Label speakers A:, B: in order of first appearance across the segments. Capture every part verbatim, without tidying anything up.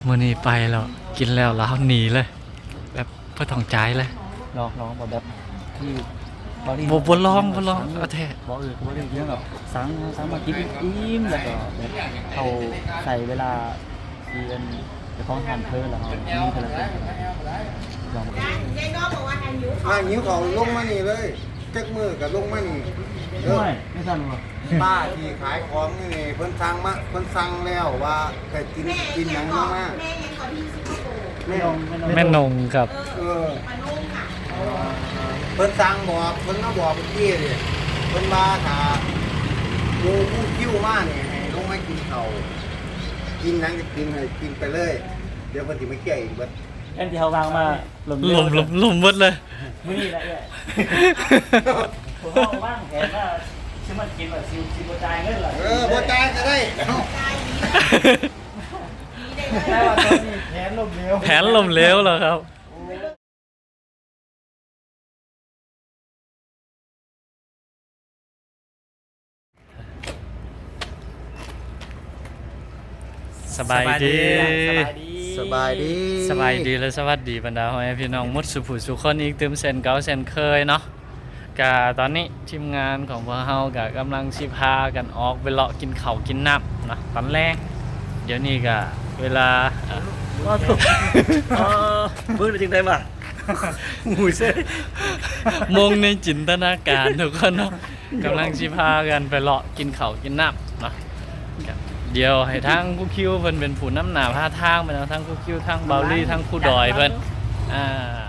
A: มื้อนี้ไปแล้วกินแล้วแล้วหนีเลยแบบบ่ต้องจ่ายเลย
B: ลองลองแบบแบบที่บอดี้
A: บ่บ่ลองบ่ลองเอาแท้
B: บอกเออบ่ได้เรื่องแบบสั่งสั่งมากินอิ่มแล้วก็แบบเขาใส่เวลาเรียนจะของทานเพลินแล้วเขามีเท่าไหร่ลอง
C: ยายน้องบอกว่าทานหิว
D: อ่าหิวเขาลงมานี่เลยจักมือกับลงมานี่เออ
B: ไม่ไม่สั่นหรอ
D: ป้าที่ขายของนี่นี่เพิ่นสั่งมาเพิ่นสั่งแล้วว่าแต่กินกินหยังมามา
C: แม่ยังขอที่สิงคโปร์
B: ไม่ลองไม่ลอง
A: แม่นงครับ
D: เออ
C: มานุ่งค่ะ
D: เพิ่นสั่งบอกเพิ่นมาบอกเมื่อกี้นี่เพิ่นว่าถ้าหมูผู้คิ้วมานี่ให้ลงมากินเขาวกินหยังก็กินให้กินไปเลย เดี๋ยวเพิ่นสิมาแก้อีกเบิด
B: แอนที่เขาวางมาลม
A: ลมลมลมหมดเลย
B: มื้อนี้แหละเนี่ยผมเอาว่างแผนว่าชื่อมันกินแบบซิวซิวจ่ายเงินเหรอ
D: เออบ่จ่ายก็ได้เอ้า
C: ได้ดีดีได้
B: แต่
C: เลย
B: ว่าตอนนี้แผนลมเหลว
A: แผนลมเหลวแล้วครับสบายดี
B: สบายดี
D: สบายดี
A: สบายดีและสวัสดีบรรดาพ่อแม่พี่น้องหมดสุผู้สุคนอีกเติมเซนเก่าเซนเคยเนาะกะตอนนี้ทีมงานของพวกเฮากะกำลังสิพากันออกไปเลาะกินข้าวกินน้ำเนาะตอนแรกเดี๋ยวนี้กะเวลาอ่ะ
B: ก็ถูกเออเบิ่งได้จริงได้ป่ะหูยเซ่
A: มงในจินตนาการทุกคนเนาะกำลังสิพากันไปเลาะกินข้าวกินน้ำเนาะก็เดี๋ยวให้ทางผู้คิวเพิ่นเป็นผู้นำหน้าพาทางไปเนาะทางผู้คิวทางเบาลี่ทางผู้ดอยเพิ่นอ่า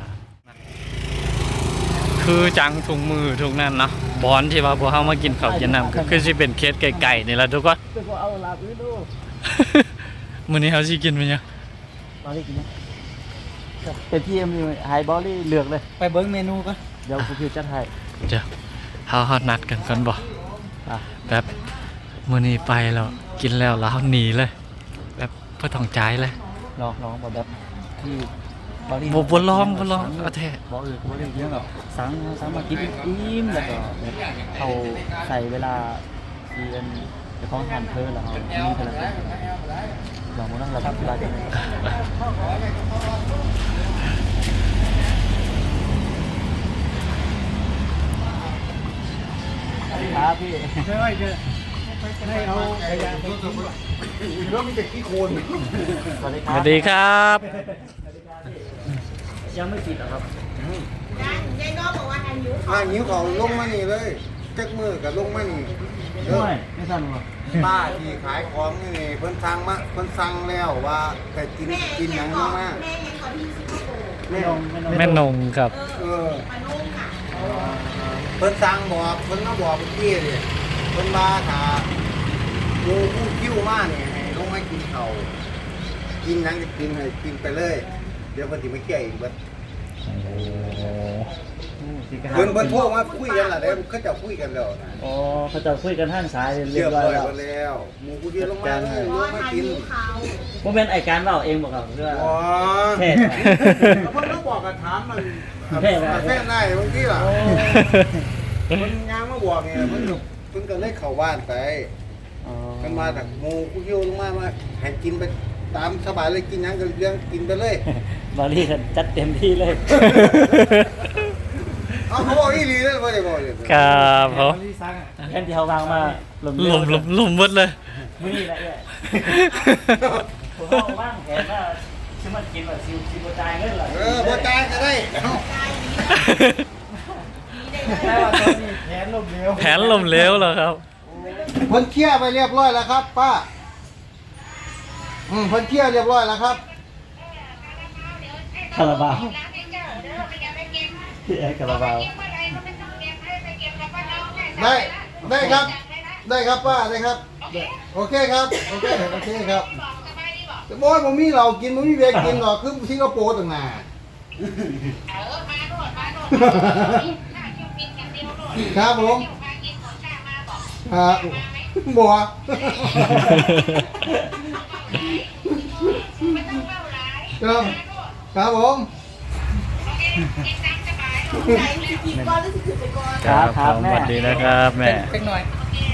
A: คือจังถุงมือทุกนั้นเนาะบอนที่ว่าพวกเฮามากินข้าวกินน้ำก็คือสิเป็นเคสไก่ๆนี่ล่ะทุกคน
B: เป็นคนเอาลาบอื่นดู
A: มื้อนี้เฮาสิกินมันยัง
B: บอลลี่กินนะเป็นพี่เอ็มไฮบอลลี่เลือกเลยไปเบิ้งเมนูก่อนเดี๋ยวคุณพิวจัดให้
A: เดี๋ยวเฮาเฮานัดกันก่อนบ่
B: อ่ะ
A: แบบมื้อนี้ไปแล้วกินแล้วแล้วหนีเลย แบบบ่ต้องจ่ายเลย
B: ลองลองแบบแบบที่บอลลี่
A: บ่บ่ลองบ่ลองเอาแท้
B: บอกเออบอลลี่เรื่องแบบสั่งสั่งมากินอิ่มแล้วก็แบบเขาใส่เวลาเรียนจะของทานเพลินแล้วเขามีเท่าไหร่ลองมานั่งรับเวลากันครับพี่ใช่ไหมเจอให้เอาขยะไปทิ้ง
D: ร
B: ก่อน
D: ถมีแต่ขี้โคลน
B: สวัสดีค
A: ส
B: รับ
A: วัสดีครับ
B: ยังไม่ติดหรอครับ
C: ยายน้องบอกว่าทานหิว
D: อ่าหิวเขาลงมานี่เลยจักมือกับลงมานี่เออ
B: ไม่ไม่สั่นหรอ
D: ป้าที่ขายของนี่นี่เพิ่นสั่งมาเพิ่นสั่งแล้วว่าแต่กิน
C: แม่
D: กินห
C: ยั
D: ยัง ง
C: ขอ
D: มามา
C: แม่ยังขอที่สิงคโปร์
B: ไม่ลงไม่ลง
A: แม่นงครับ
D: เออ
C: มานุ่งค่ะ
D: เพิ่นสั่งบอกเพิ่นมาบอกเมื่อกี้นี่เพิ่นว่าถ้าหมูผู้คิ้วมานี่ให้ลงมากินเขาวกินหยังก็กินให้กินไปเลย เดี๋ยวเพิ่นสิมาแก้อีกเบิดเพิ่นเพิ่นโทรมาคุยกันล่ะเด้เขาเจะคุยกันแล้วนะ
B: อ๋อเขาจะคุยกันท่านสายเรี
D: เรี
B: ย
D: ย
B: บบ ร้
D: ร้
B: อ
D: อย ย
B: แล้ว
D: หมดแล้วหมูผู้เดียวลงมาเลย
C: เพ
D: ล
C: ราะ
D: ง
C: ว่า
D: มา
C: ทาน
D: กิน
C: หิวเขา
B: ผมเป็นไอการเล่าเองบอกครับเพื่อ
D: อ๋อ
B: เทศ
D: เพิ่นมาบอกกันถามมัน
B: แพทย์อะไร
D: แฟนได้บางทีล่ะเพิ่นยางมาบอกเนี่ยเพิ่นก็เพิ่นก็เลยเข้าบ้านไป
B: อ๋อ
D: กันมาจากหมูผู้เดียวลงมามาให้กินไปตามสบายเลยกินหยังก็เรื่องกินไปเลย
B: บอลลี่กันจัดเต็มที่เลย
D: เอาเขาบอกอีหลีเลยบ่ได้บอกเลย
A: ครับผม
B: แอนที่เขาวางมาลม
A: ลมลมลมหมดเลย
B: มื้อนี้แหละเนี่ยผมเอาว่างแผนว่าชื่อมันกินแบบซิวซิวจ่ายเงินเหรอ
D: เออบ่จ่ายก็ได้เอ้า
C: ได้ดีดีได้
B: แต่
C: เล
B: ว่าตอนนี้แผนลมเหลว
A: แผนลมเหลวแล้วครับ
D: เพิ่นเคลียร์ไปเรียบร้อยแล้วครับ ป้าอืมเพิ่นเคลียร์เรียบร้อยแล้วครับ
B: คาราบาวพี่แอนคาราบาว
D: ได้ได้ครับ ได้ครับป้าได้ครับ โอเคครับโอเคโอเคครับบอยผมมีเรากินผมมีเบียร์กินหรอกคือสิงคโปร์ต่างหากครับผมครับบัวครับครับผม
C: ใจสิกินก้อนหรือสิกินไปก่อน
B: ครับค
A: ผ
B: รับ
A: ม
B: แม่
A: สวัสดีนะครับแม่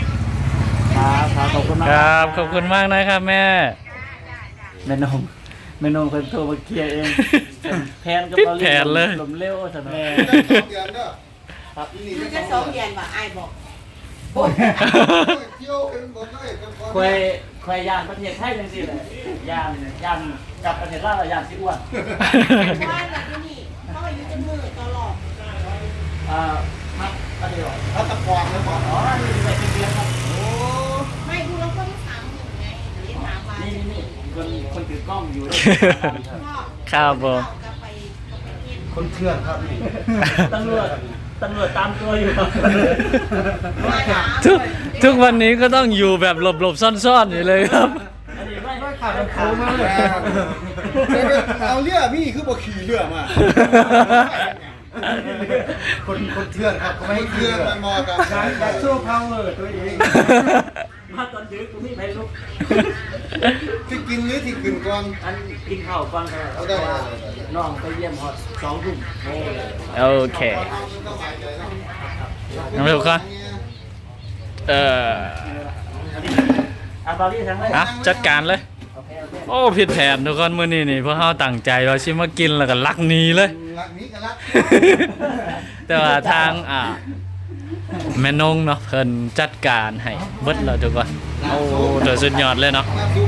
B: ครับครับขอบคุณมาก
A: ครับขอบคุณมากนะครับแม่
B: แม่นมเมนูเพิ่นโทรมาเคลียร์เองแผนกับ
A: ปิด
B: เรา
A: แผนเลย
B: ลมเร็วซั่นเนาะ
D: เดือนเด้อ
B: ครับ
D: นี่
C: มัน
D: จะ
C: จะ
D: ส
C: ส
D: อ
C: อง ง
D: เดื
C: เดื
D: อ
C: อน นว่าไอ้ายบอก
D: เที่ยวเป็นหมดเลย
B: ควยควยย่านประเทศไทยจังซี่แหละย่านย่านกลับประเทศลาวแล้วย่านสิอ้วน
C: ว่าแบบนี้เขาอายุจะมือตลอด
B: อ่าครับอันนี้เหรอ
D: พัตะกรเลยบอก
B: อ๋อนี่เป็นเดือนครับ
D: โอ้
C: ไม่ดูแล้วคนถามหนึ่งไงเรียนถามมา
B: นี่นี่คนคนถือกล้องอยู่ด้วย
A: ครับผม
C: กลับไปกลับไปเรียน
D: คนเถื่อนครับนี่
B: ตำรวจตำรวจตามตัวอยู่ครับ
C: มาถาม
A: ทุกทุกวันนี้ก็ต้องอยู่แบบหลบๆซ่อนๆอยู่เลยครับ
B: อันนี้ไม่
D: ไม่ขาดมันโค้งมากเลยเอาเรือพี่คือบ่ขี่เรือมาคนคนเถื่อนครับเขาไม่ให้เถื่อนมันมอกันอยากโชว์พาวเวอร์ตัวเอง
B: มาตอนดึกกูไม่ไปลุก
D: ที่กินหรือที่กินก่อน
B: อันกินข้าวฟังกัน
D: เอาได้
B: น้องไปเยี่ยมฮอตสองทุ่ม
A: โอเคน้องเร็วครับเอ่อ
B: อ่ะตอนนี้ทั้งเลย
A: อ่ะจัดการเลย
B: โอเคโอเค
A: โอ้ผิดแผนทุกคนมื้อนี้นี่เพราะเฮาตั้งใจว่าสิมากินแล้วก็ลักหนีเลย
D: รักนี้กันรัก
A: แต่ว่าทางอ่าแม่นงเนาะเพิ่นจัดการให้เบิดแล้วทุกคนโอ้เดือสุดยอดเลยเนาะ
D: น้ำซุป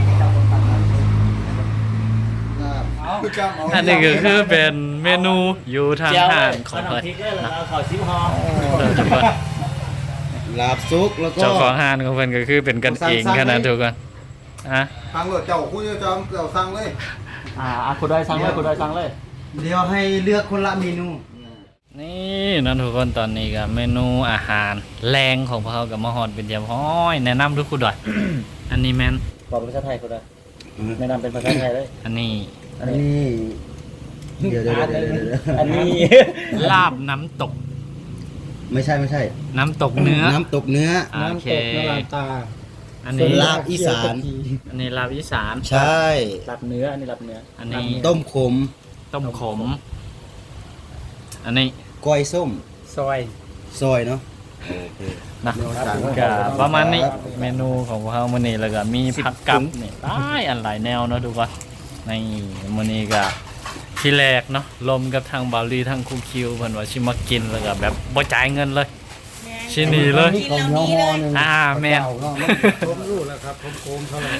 D: คือจำเอา
A: อันนี้ก็คือเป็นเมนูอยู่ทาง
B: เจียว
A: ห้าง
B: เลย
A: ของ
B: ขนม
A: เพิ่น
B: พริกเลยเราขอซิมฮอ
A: เด้อทุกคน
D: ลาบซุกแล้วก็
A: เจ้าของห้างของเพิ่นก็คือเป็นกันเองขนาดทุกคนฮะ
D: ทางรถเจ้าคุณจะจอมเจ้าสั่งเลย
B: อ่าอ่ะคุณดอยสั่งเลยคุณดอยสั่งเลย
D: เดี๋ยวให้เลือกคนละเมนู
A: นี่นั่นทุกคนตอนนี้ก็เมนูอาหารแรงของพวกเขากับมาฮอดเป็นเดียบห้อยแนะนำทุกคนด้วยอันนี้แมน
B: บอกเป็นภาษาไทยคุณดอยแนะนำเป็นภาษาไทยเลย
A: อันนี้
B: อันนี้
D: เดี๋ยวเดี๋ยวเดี๋ยวเดี๋ยว
B: อันนี้
A: ลาบน้ำตก
D: ไม่ใช่ไม่ใช่
A: น้ำตกเนื้อ
D: น้ำตกเนื้อ
A: โอเค
D: ตา
A: อันนี้
D: ลาบอีสาน
A: อันนี้ลาบอีสาน
D: ใช่
B: หลับเนื้อ อันนี้หลับเนื้อ
A: อันนี้
D: ต้มขม
A: ต้มขม อันนี้
D: ก้อยส้ม
B: ซอย
D: ซอยเนาะ
A: นะ
D: ครับ
A: ก็ประมาณนี้เมนูของพวกเขามื้อนี้แล้วก็มีผักกับนี่หลายอันหลายแนวเนาะทุกคนในมื้อนี้ก็ที่แรกเนาะลมกับทางบาลีทางคูคิวเพิ่นว่าสิมากินแล้วก็แบบบ่จ่ายเงินเลย ชิ้นนี้เลย
C: กินแล้วนี้เลย
A: อ่าแม่น
D: ผมรู้แล้วครับผมโกงเขาเลย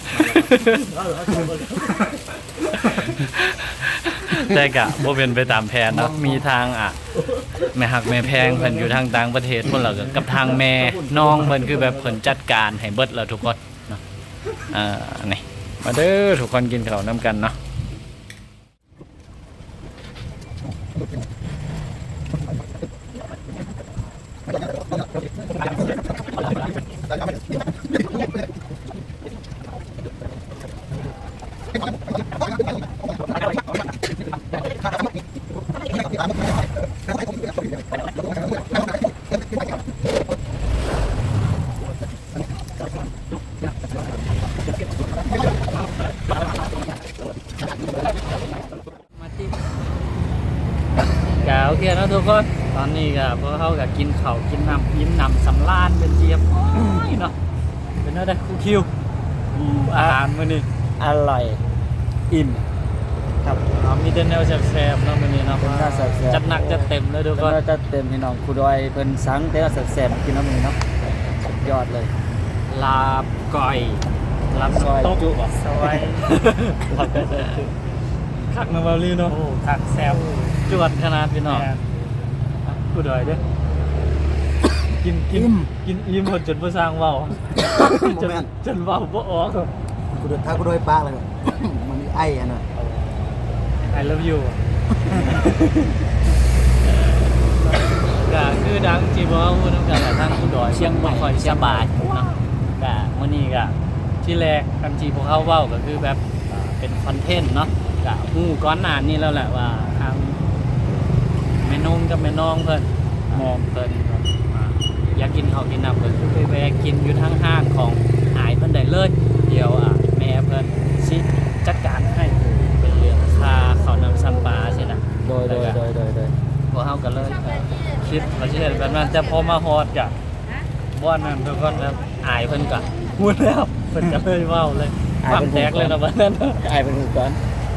A: แต่กะบ่เป็นไปตามแผนเนาะมีทางอ่ะแม่หักแม่แพงเพิ่นอยู่ทางต่างประเทศพุ่นแล้วก็กับทางแม่น้องเพิ่นคือแบบเพิ่นจัดการให้เบิดแล้วทุกคนเนาะอ่านี่มาเด้อทุกคนกินข้าวนํกันเนาะก็โอเคเนาะทุกคนตอนนี้ก็พวกเขาก็กินข้าวกินน้ำกินน้ำสำราญเป็นเจี๊ยบโอ้ยเนาะเป็นอะไรคูคิวอู้อาหารมื้อนี้
B: อร่อย อิ่ม ครับ
A: เอามีแต่แนวแซ่บๆเนาะมื้อนี้เนาะ
B: เป็นแนวแซ่บๆ
A: จัดหนักจัดเต็มเลยทุกคน
B: ก็จะเต็มพี่น้องคุณดอยเป็นสังแต่ว่าแสบๆกินน้ำมันเนาะสุดยอดเลย
A: ลาบก้อยลาบ
B: ซอย
A: ตก
B: จุซอย
A: ลาบก้อยคักนะบาลีเนาะ
B: โอ้คักแซ่บ
A: จวดขนาดพี่น้องกูดอยเด้อกินกินกินอิ่มหมดจนบ่สร้างเว้าจนจนเว้าบ่ออก
D: กูเดินท้ากูโดยปลาเลยมันไอ้อันน่ะ
A: I love you ก็คือดังจีบว่าพูดน้ำกันแหละทางผู้ดอย
B: เชียงใหม่
A: บ่ค่อยสบายเนาะก็มื้อนี้ก็ที่แรกกันจีพวกเขาเว้าก็คือแบบอ่าเป็นคอนเทนต์เนาะก็ฮู้ก่อนหน้านี้แล้วแหละว่าทางแม่นงกับแม่น้องเพิ่นมองเพิ่นอ่าอยากกินข้าวกินน้ำเพิ่นคือไปแวะกินอยู่ทางห้างของหายเพิ่นได้เลยเดี๋ยวอ่ะแม่เพิ่นสิจัดการให้เป็นเรื่องค่าข้าวนำซ้ำปลาใช่นะ
B: โดยโดยโดยโดยโดย
A: พวกเฮาก็เลยเอ่อคิดว่าสิเฮ็ดแบบนั้นแต่พอมาฮอดก็บ่อนนั้นทุกคนแบบอายเพิ่นก็พูดแล้วเพิ่นก็เลยเว้าเลยความแตกเลยนะบัดนั้น
B: อายเป็นคนก่อน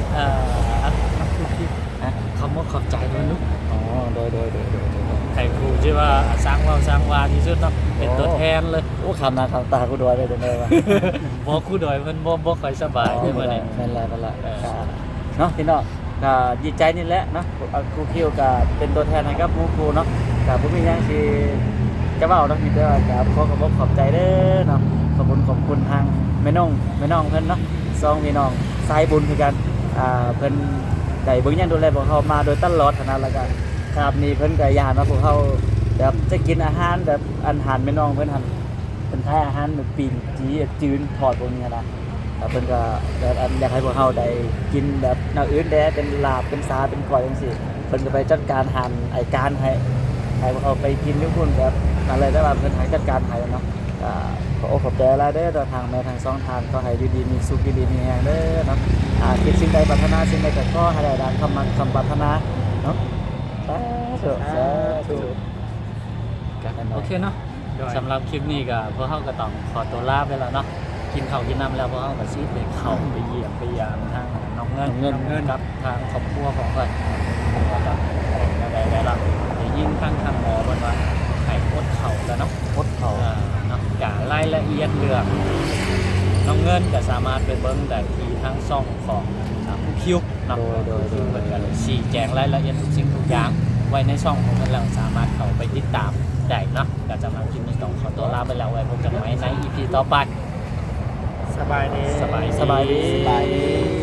A: เอ่อคำว่าขอบใจมันลูก
B: อ๋อโดยโดยโดยโดยโดย
A: ไข่ครูที่ว่าสร้างว่าสร้างวาที่สุดเนาะเป็นตัวแทนเลย
B: โอ้คำนะคำตากูดวยเลยเดี๋ยวนี้ว่า
A: บ่คู่ดอยมันบ่บ่ค่อยสบายได้บ่ได้
B: นั่นแหละนั่นแหละ
A: เออ
B: ก็เนาะพี่น้องก็ดีใจนี่แหละเนาะเอาครูคิวก็เป็นตัวแทนให้กับหมู่ครูเนาะก็บ่มีหยังสิจะเว้าเนาะมีแต่ว่าก็ขอขอบคุณขอบใจเด้อเนาะขอบคุณขอบคุณทางแม่น้องแม่น้องเพิ่นเนาะสองพี่น้องสายบุญคือกันอ่าเพิ่นได้เบิ่งแย่งดูแลพวกเขามาโดยตลอดขนาดแล้วก็ครับนี่เพิ่นก็ย่านว่าพวกเขาแบบจะกินอาหารแบบอาหารแม่น้องเพิ่นหั่นเป็นท้ายอาหารแบบปีนจีจืนทอดพวกนี้นะ แล้วเพิ่นก็แบบอันอยากให้พวกเฮาได้กินแบบแนวอื่นแด้เป็นลาบเป็นซาเป็นก้อยจังซี่เพิ่นก็ไปจัดการหั่นไอ้การให้ให้พวกเขาไปกินอยู่พุ่นแบบนั่นเลยได้ว่าเพิ่นให้จัดการให้เนาะก็ขอขอบใจหลายเด้อทางแม่ทางสองทางก็ให้อยู่ดีมีสุขอยู่ดีมีแรงเด้อเนาะอ่าคิดสิ่งใดปรารถนาสิ่งใดก็ขอให้ได้ดังคำมันคำปรารถนาเนาะสาธุสาธุ
A: โอเคเนาะสำหรับคลิปนี้ก็พวกเฮาก็ต้องขอตัวลาไปแล้วเนาะกินข้าวกินน้ำแล้วพวกเฮาก็สิไปเข้าไปเยี่ยมไปยามทางน้องเงิน
B: เงิน
A: น้องเงินกับทางครอบครัวของเพิ่นว่าจะได้ได้รับได้ยินทางทางหมอเพิ่นว่าให้อดข้าวแล้วเนาะ
B: พดเขา
A: เอ่อเนาะการายละเอียดเรื่องน้องเงินก็สามารถไปเบิ่งได้ที่ทางช่องของอ่าผู้คิวเนาะ
B: โดยโดยโด
A: คื
B: ย
A: อเพิ่นก็เลยชี้แจงรายละเอียดทุกสิ่งทุกอย่างไว้ในช่องของเพิ่นแล้วสามารถเข้าไปติดตามได้เนาะก็สำหรับคลิปนี้ต้องขอตัวลาไปแล้วไว้พบกันใหม่ใน อี พี ต่อไป
E: สบายดี
A: สบาย
B: สบายดี
D: สบายดี